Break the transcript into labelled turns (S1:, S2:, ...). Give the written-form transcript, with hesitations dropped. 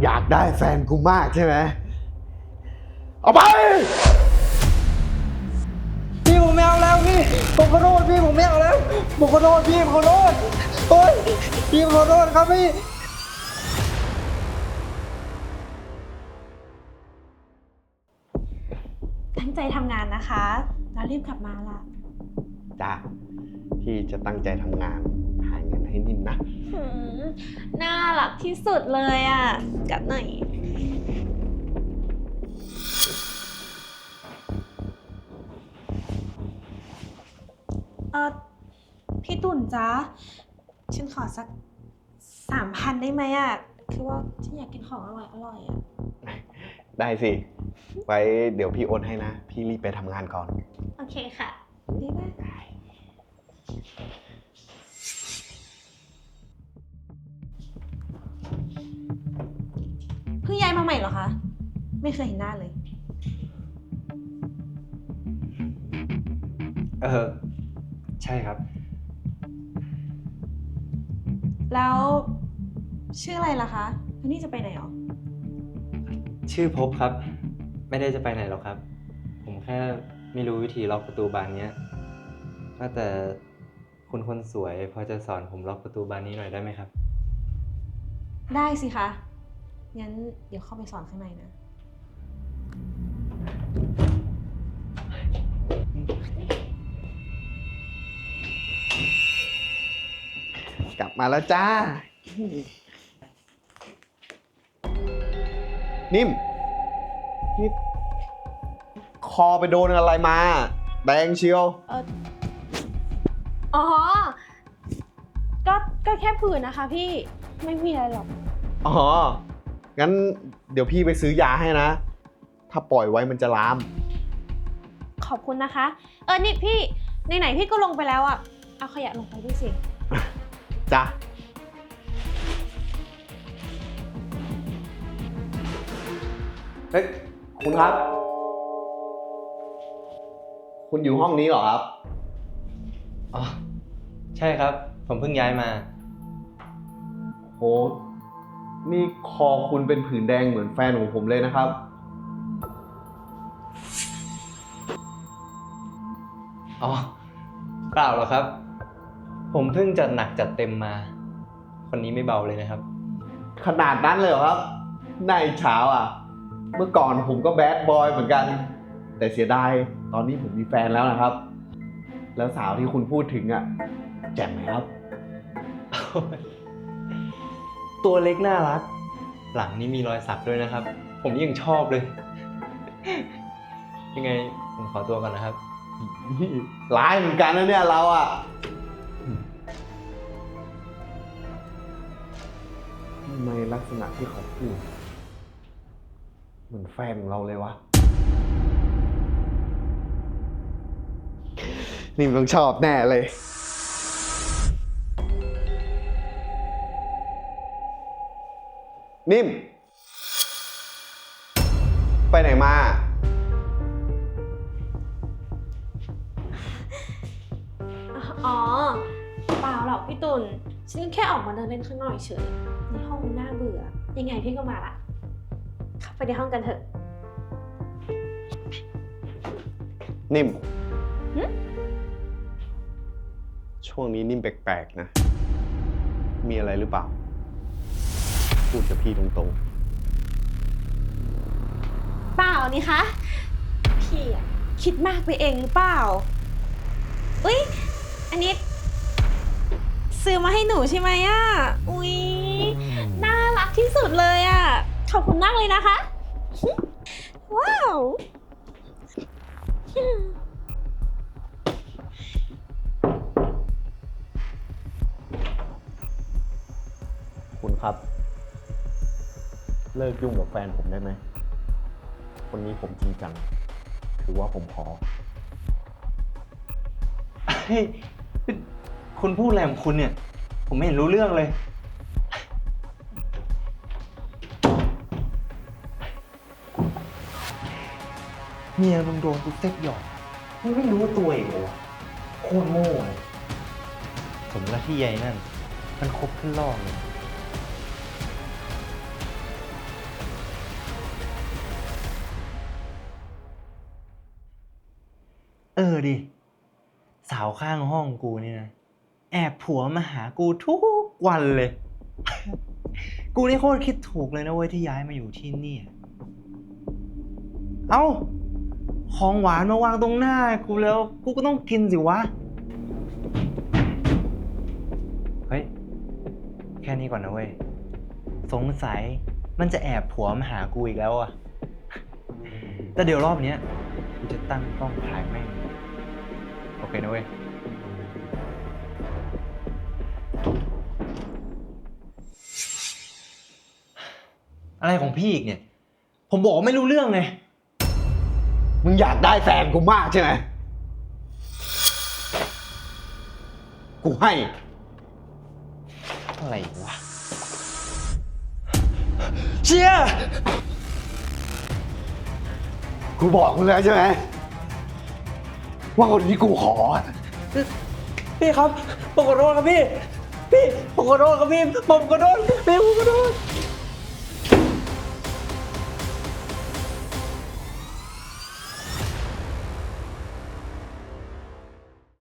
S1: อยากได้แฟนกูมากใช่ไหมเอาไป
S2: พี่ผมไม่เอาแล้วพี่ผมขอโทษพี่ผมไม่เอาแล้วผมขอโทษพี่ผมขอโทษโอ๊ยพี่ผมขอโทษครับพี่
S3: ตั้งใจทำงานนะคะแล้วรีบกลับมาล่ะ
S1: จ้าพี่จะตั้งใจทำงานหาเงินให้นิ่มนะ
S3: น่ารักที่สุดเลยอ่ะกัดหน่อยพี่ตุ่นจ๊ะฉันขอสัก3,000ได้ไหมอ่ะคือว่าฉันอยากกินของอร่อยอ่ะ
S1: ได้สิ ไว้เดี๋ยวพี่โอนให้นะ พี่รีบไปทำงานก่อน
S3: โอเคค่ะดีมากเพิ่งย้ายมาใหม่เหรอคะ ไม่เคยเห็นหน้าเลย
S2: ใช่ครับ
S3: แล้วชื่ออะไรล่ะคะแล้วนี่จะไปไหนหรอ
S2: ชื่อภพครับ ไม่ได้จะไปไหนหรอกครับ ผมแค่ไม่รู้วิธีล็อกประตูบานนี้ว่าแต่คุณคนสวยพอจะสอนผมล็อกประตูบานนี้หน่อยได้ไหมครับ
S3: ได้สิคะ งั้นเดี๋ยวเข้าไปสอนข้างในนะ
S1: กลับมาแล้วจ้า นิ่ม นี่คอไปโดนอะไรมาแดงเชียว
S3: อ๋อ ก็แค่ผื่นนะคะพี่ ไม่มีอะไรหรอก
S1: อ๋อ งั้นเดี๋ยวพี่ไปซื้อยาให้นะ ถ้าปล่อยไว้มันจะลาม
S3: ขอบคุณนะคะ นี่พี่ไหนๆพี่ก็ลงไปแล้วอ่ะ เอาขยะลงไปด้วยสิ
S1: จ้ะ เฮ้ย คุณครับ คุณอยู่ห้องนี้เหรอครับ
S2: อ๋อ ใช่ครับ ผมเพิ่งย้ายมา
S1: โห นี่คอคุณเป็นผื่นแดงเหมือนแฟนของผมเลยนะครับ
S2: อ๋อ เปล่าหรอกครับ ผมเพิ่งจัดหนักจัดเต็มมา คนนี้ไม่เบาเลยนะครับ
S1: ขนาดนั้นเลยเหรอครับนายเช้าอ่ะ เมื่อก่อนผมก็แบดบอยเหมือนกัน แต่เสียดายตอนนี้ผมมีแฟนแล้วนะครับ แล้วสาวที่คุณพูดถึงอ่ะ แจ่มไหมครับ
S2: ตัวเล็กน่ารัก หลังนี้มีรอยสักด้วยนะครับ ผมยังชอบเลย ยังไงผมขอตัวก่อนนะครับ
S1: ร้ายเหมือนกันนะเนี่ยเราอ่ะทำไมลักษณะที่เขาพูดเหมือนแฟนของเราเลยวะ นี่มึงต้องชอบแน่เลย นิ่ม ไปไหนมา
S3: อ๋อ เปล่าหรอกพี่ตุลฉันแค่ออกมาเดินเล่นข้างนอกเฉย ในห้องมันน่าเบื่อ ยังไงพี่ก็มาละเข้าไปในห้องกันเถอะ
S1: นิ่ม
S3: หึ
S1: ช่วงนี้นิ่มแปลกๆนะ มีอะไรหรือเปล่า พูดกับพี่ตรง
S3: เปล่านี่คะ พี่อะคิดมากไปเองหรือเปล่า อุ๊ย อันนี้ ซื้อมาให้หนูใช่ไหมอ่ะ อุ๊ย น่ารักที่สุดเลยอ่ะ ขอบคุณมากเลยนะคะ ว้าว
S1: ๆ คุณครับ เลิกยุ่งกับแฟนผมได้ไหม คนนี้ผมจริงจัง ถือว่าผมขอ
S2: เฮ้ย คุณพูดอะไรของคุณเนี่ย ผมไม่เห็นรู้เรื่องเลย เมียมึงโดนกูเซ็กหยอกมึงไม่รู้ตัวเองเหรอวะโคตรโง่เลยสมกับที่ใหญ่นั่น มันคบขึ้นล่อเลยดิ สาวข้างห้องกูนี่นะ แอบผัวมาหากูทุกวันเลย กูนี่โคตรคิดถูกเลยนะเว้ยที่ย้ายมาอยู่ที่นี่ เอ้า ของหวานมาวางตรงหน้ากูแล้ว กูก็ต้องกินสิวะ เฮ้ย แค่นี้ก่อนนะเว้ย สงสัยมันจะแอบผัวมาหากูอีกแล้วอะ แต่เดี๋ยวรอบเนี้ยกูจะตั้งกล้องถ่ายแม่ง โอเคนะเว้ย อะไรของพี่อีกเนี่ย ผมบอกว่าไม่รู้เรื่องไง
S1: มึงอยากได้แฟนกูมากใช่ไหม กูให้
S2: อะไรวะ เชียร์
S1: กูบอกมึงแล้วใช่ไหมว่าคนที่กูขออะ
S2: พี่ครับผมขอโทษครับพี่ ผมขอโทษครับพี่ ผมขอโทษพี่ผมขอโทษ